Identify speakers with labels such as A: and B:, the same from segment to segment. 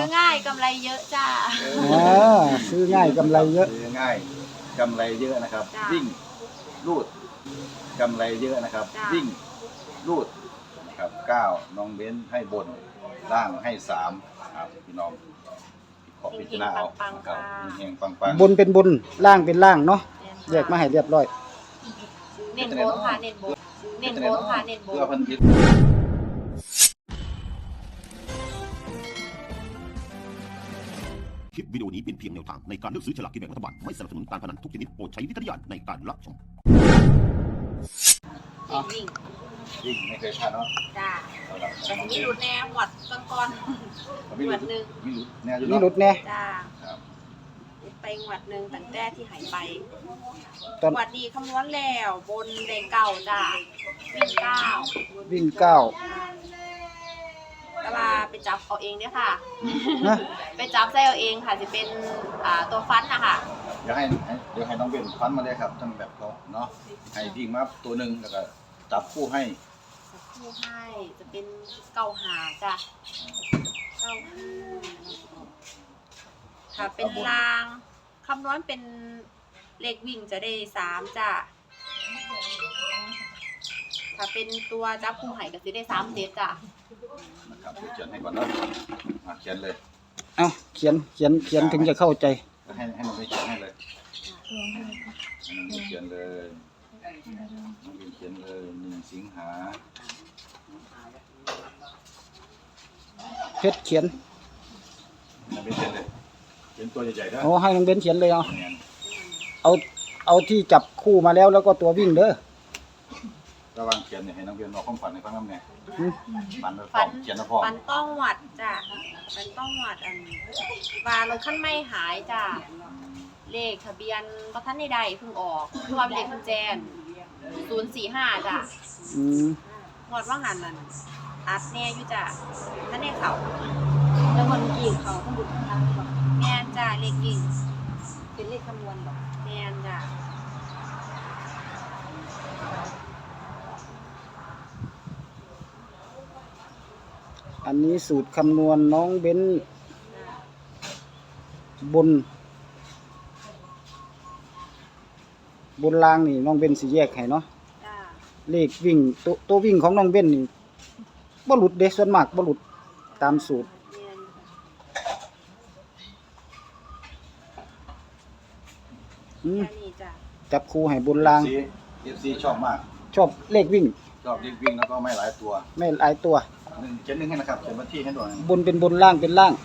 A: ง่ายกำไรเยอะจ้า
B: ซื้อง่ายกำไรเยอะ
C: ซื้อง่ายกำไรเยอะนะครับวิ่งรูดกำไรเยอะนะครับวิ่งรูดนะครับ9น้องเบ้นให้บนล่างให้3ครับพี่น้องขอพิจารณาเอาครับเฮงปัง
B: บนเป็นบนล่างเป็นล่างเนาะแยกมาให้เรียบร้อย
A: เน้นโบนค่ะเน้นโบนเน้นโบนค่ะเน้นโบน
C: เพื่อพันธิต
D: คลิปวิดีโอนี้เป็นเพียงแนวทางในการเลือกซื้อฉลากกินแบ่งรัฐบาลไม่สนับสนุนการพนันทุกชนิดโปรดใช้วิจารณญาณในการรับชม
A: วิ่ง
C: ไม่เคยพลาดเนาะ
A: จ้าแต่มีหลุดแน่หวัดก่อนหวัดหนึ่ง
C: มีหลุดแน่
A: จ้าไปหวัดหนึ่งตั้งแต่ที่หายไปหวัดดีคำนวณแล้วบนเลข9จ้าวิ่ง9ตลาไปจับเอาเองเนี่ยค่ะไปจับใส่เอาเองค่ะจะเป็นตัวฟันนะคะ
C: เดี๋ยวให้น้องเบนฟันมาเลยครับทั้งแบบเขาเนาะให้วิ่งมาตัวหนึ่งแล้วก็จับคู่ให้
A: จะเป็น95จ้ะ95ค่ะเป็นรางคำนวณเป็นเลขวิ่งจะได้3จ้ะถ้าเป็นตัวจับคู่ให้ก็จะได้3เซตจ้ะ
C: นะครับเขียนให้ก่อนเนาะเขียนเลย
B: เขียนถึงจะเข้าใจ
C: ให้น้องเบนเขียนให้เลยเขียนเลยน้องเบนเขียนเลย1 สิงหา
B: เพชรเขียน
C: น้องเบนเขียนเลยเขียนตัวใหญ่ๆนะ
B: ให้น้องเบนเขียนเลยเอาที่จับคู่มาแล้วก็ตัววิ่งเด้อ
C: ระวังเขียนเนี่ยให้น้องเบนบอกความฝันในฟังน้ำเนี่ยเขียนนะพ่อ
A: ฝันต้องหวัดจ้ะฝันต้องหวัดวารถขั้นไม่หายจ้ะเลขทะเบียนประทันใดเพิ่งออกคือว่าเลขกุญแจ045จ้ะงวดว่าหันนั่นอัดแน่อยู่จ้ะท่านแน่เขาแล้วคนกิ่งเขาต้องบุญทางบอกแม่นจ้ะเลขกิ่งเป็นเลขคำนวณบอกแม่นจ้ะ
B: อันนี้สูตรคำนวณน้องเบ้นบนล่างนี่น้องเบ้นสิแยกให้เนาะเลขวิ่งตัววิ่งของน้องเบ้นนี่บ่หลุดเด้ส่วนมากบ่หลุดตามสูตรจับคู่ให้บนล่าง
C: FC ชอบมาก
B: ชอบเลขวิ่ง
C: แล้วก็ไม่หลายตัวเขียน1ให้นะครับเขียนวันที่ให้ด้วย
B: บนเป็นบนล่างเป็นล่าง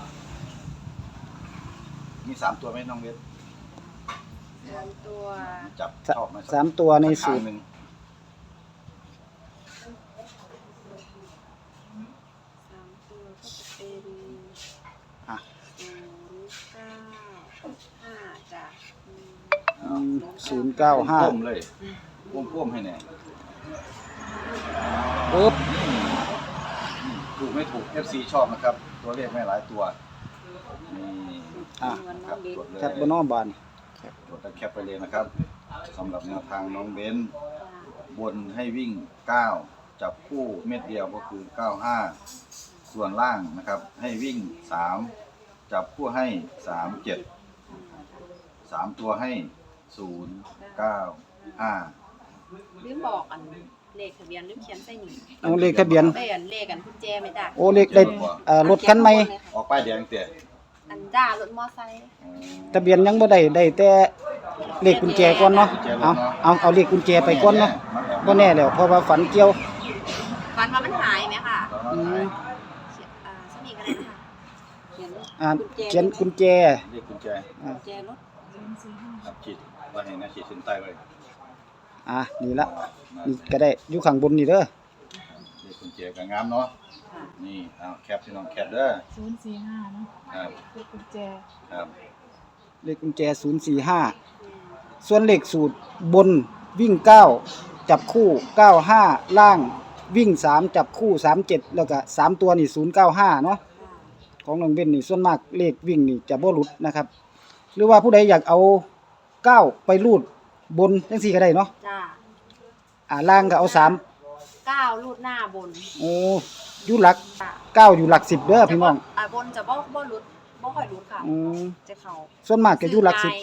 C: มี3ตัวไหมน้องเวท
A: 3ตัว
C: จับชอบไหม
B: 3ตัวในสูตร
C: 095เลยพ่วมให้แน่ถูกไม่ถูก FC ชอบนะครับตัวเลขไม่หลายตัวนี่ครับจดเลย
B: แคปบนบาน
C: จดแล้วแคปไปเลยนะครับสำหรับแนวทางน้องเบ้นบนให้วิ่ง9จับคู่เม็ดเดียวก็คือ95ส่วนล่างนะครับให้วิ่ง3จับคู่ให้37 3ตัวให้095
A: ลืมบอกเลขทะเบียนลืมเขียนใส่นี่
B: เลขทะเบียน
A: เลขกุญแจไหมจ้ะ
B: เลขได้รถคันใหม่
C: ออกป้ายแดงเตี้ย
A: จ้ารถมอไซค์
B: ทะเบียนยังบ่ได้แต่เลขกุญแจก่อนเนาะเอาเลขกุญแจไปก่อนเนาะบ่แน่แล้วเพราะว่าฝันเกี่ยว
A: ฝันว่ามันหายไหมค่ะสนิทกันเลยค่ะ
B: เขียนกุญแจ
C: เลขกุญแจ
A: รถ
C: ครับขีดว่าเห็นนะขีดเส้นใต้ไว้
B: นี่ละนี่ก็ได้อยู่ข้างบนนี่เด้อ
C: เลขกุญแจก็งามเนาะนี่แคปพี่น้องแคปเด้อ
E: 045เนาะ
C: ครับ
E: เลขกุญแจ
C: ครับ
B: เลขกุญแจ045ส่วนเลขสูตรบนวิ่ง9จับคู่95ล่างวิ่ง3จับคู่37แล้วก็3ตัวนี่095เนาะของน้องเบ้นนี่ส่วนมากเลขวิ่งนี่จะบ่หลุดนะครับหรือว่าผู้ใดอยากเอา9ไปรูดบนจังซี่ก็ได้เนาะล่างก็เอา
A: 9รูดหน้าบน
B: อยู่หลัก9อยู่หลัก10เด้อพี่น้อง
A: บนจะบ่หลุดบ่ค่อยหลุดค่ะ
B: อืม
A: จะเข้า
B: ส่วนมากจะอยู่หลักสิบ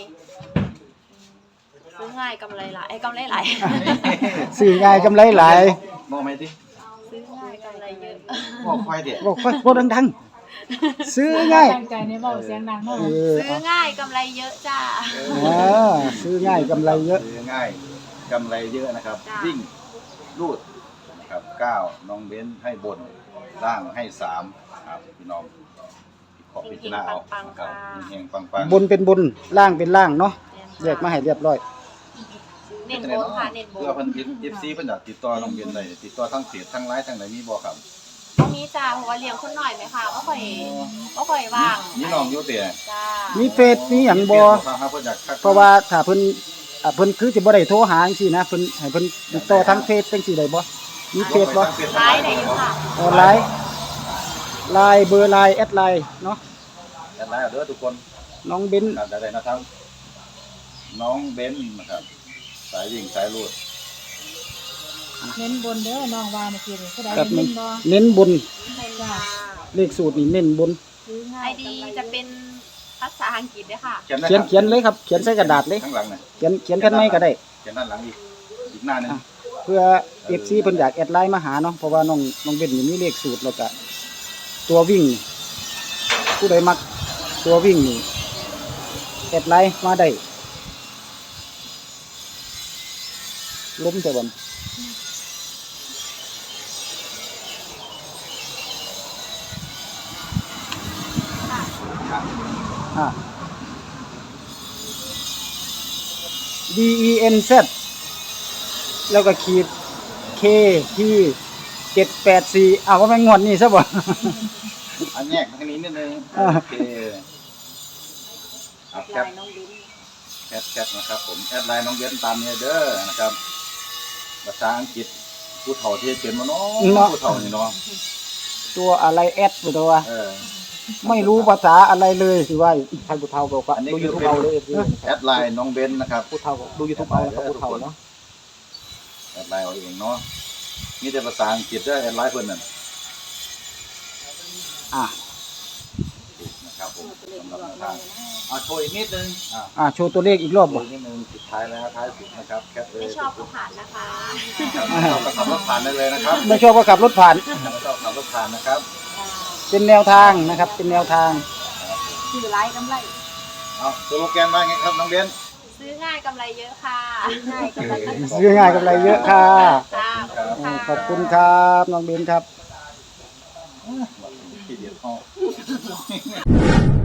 A: ซื้อง่ายกำไรหลายกำไรหลาย
B: ซื้อง่ายกำไรหลาย
C: มองไหมดิ
A: ซื้อง่ายกำไรเยอะ
C: บอกควายเด็ด
B: บอกค่อยพูดดังๆซื้อง่าย
E: ตั้งใจในเว้าเสียงดังเนาะ
A: ซื้อง่ายกำไรเยอะจ้า
B: ซื้อง่ายกำไรเยอะ
C: ซื้อง่ายกำไรเยอะนะครับ
A: จ้ะ
C: วิ่งรูดนะครับ9น้องเบ้นให้บนล่างให้3ครับพี่น้องขอพิจารณาเอานะครับเฮงๆปังๆ
B: บนเป็นบนล่างเป็นล่างเนาะแยกมาให้เรียบร้อย
A: เน้นโบนค่ะเน้นโบ
C: เพื่อน เพิ่น FC เพิ่นอยากติดต่อน้องเบ้นได้ติดต่อทั้งเพจทั้งไลน์ทั้งไหนมีบ่ครับ
A: ตรงนี้จ้าเพราะว่าเลี้ยงคนหน่อยไหมค่ะก็ค่อยว่าง
C: มีน้องอยู่เตะ
A: จ้า
B: มีเฟซมีหยังบ่
C: ครับเพิ่นอยากทัก
B: เพราะว่าถ้าเพิ่นคือสิบ่ได้โทรหาจังซี่นะเพิ่นให้เพิ่นติดต่อทางเฟซจังซี่ได้บ่มีเฟซบ่
A: ร้ายได้อยู่ค่ะ
B: ออนไลน์เบอร์ไลน์แอดไลน์เนาะ
C: แอดไลน์เอาเด้อทุกคน
B: น้องเบน
C: ครับได้นะครับ น้องเบ้นนะครับสายวิ่งสายรูด
E: เน้นบนเด้อน้องว่าเมื่อกี้นี่ผู้ใด
B: แบบ
E: เน้
B: นี้
E: นบ่
B: เน้นบน
A: เน้นค่ะ
B: เลขสูตรนี่เน้นบน
E: ซื้อง่า
A: ไอย ดีจะเป็นภาษาอังกฤษด้วยค่ะ
C: เขียนได้
B: เขียนเลยครับเขียนใส่กระดาษเลย
C: ข้างหลังน่ะ
B: เขียนกันไม่ก็ได้
C: เขียนด้านหลังอีกหน้าหนึง
B: เพื่อ FC เพิ่นอยากแอดไลน์มาหาเนาะเพราะว่าน้องเบนนี่มีเลขสูตรแล้วก็ตัววิ่งนี่ผู้ใดมักตัววิ่งนี่แอดไลน์มาได้ล้มแต่บ่นอ่า DENZ แล้วก็ขีด KT 784อ้าวว่าแม่งงวดนี่ซะบ่
C: อันแยกทางนี้นิดนึง
B: อ่า
C: โอเคเอาแค
A: ลา
C: ป
A: ยน้องบิ้น
C: แคปนะครับผมแอดไลน์น้องเบ้นตามนี้เด้อนะครับภาษาอังกฤษผู้เฒ่าที่เขียนมาเนาะผู้เฒ่านี่เนาะ
B: ตัวอะไรแอดตัว
C: เออ
B: ไม่รู้ภาษาอะไรเลยสิว่าท่านผู้เฒ่าบอกว่า
C: อันนี้
B: ดู
C: คือ
B: YouTube
C: เป็น
B: เอาเลย
C: แอดไลน์น้องเบ้นนะครับ
B: ผู้เฒ่าดู YouTube เอานะครับผู้เฒ่าเนาะ
C: แอดไลน์เอาเองเนาะมีแต่ภาษาอังกฤษเด้อแอดไลน์เพิ่นนั่น
B: อ่ะ
C: นะครับผมสำหรับแนวทางเอาโชว์อีกนิดนึง
B: โชว์ตัวเลขอีกรอบ
C: โช
B: บ่
C: ว์อีกนิดนึงสุดท้ายแล้วท้ายสุดนะครับแคปเลย
A: ไม่ชอบก็ผ่านนะคะ
C: ชอบก็ขับรถผ่านได้เลยนะครับ
B: ไม่ชอบก็ขับรถผ่าน
C: ไม่ชอบขับรถผ่านนะครับ
B: เป็นแนวทางนะครับ เป็นแนวทาง
A: ซื้อร้ายกำไร
C: เอาสโลแกนว่าไงครับน้องเบน
A: ซื้อง่ายกำไรเยอะค่ะซื้อง่ายกำไรเยอะ
B: ซื้อง่ายกำไรเยอะค่ะ
A: จ้า
B: ขอบคุณครับน้องเบนครับ
C: ที่เดียวเข้า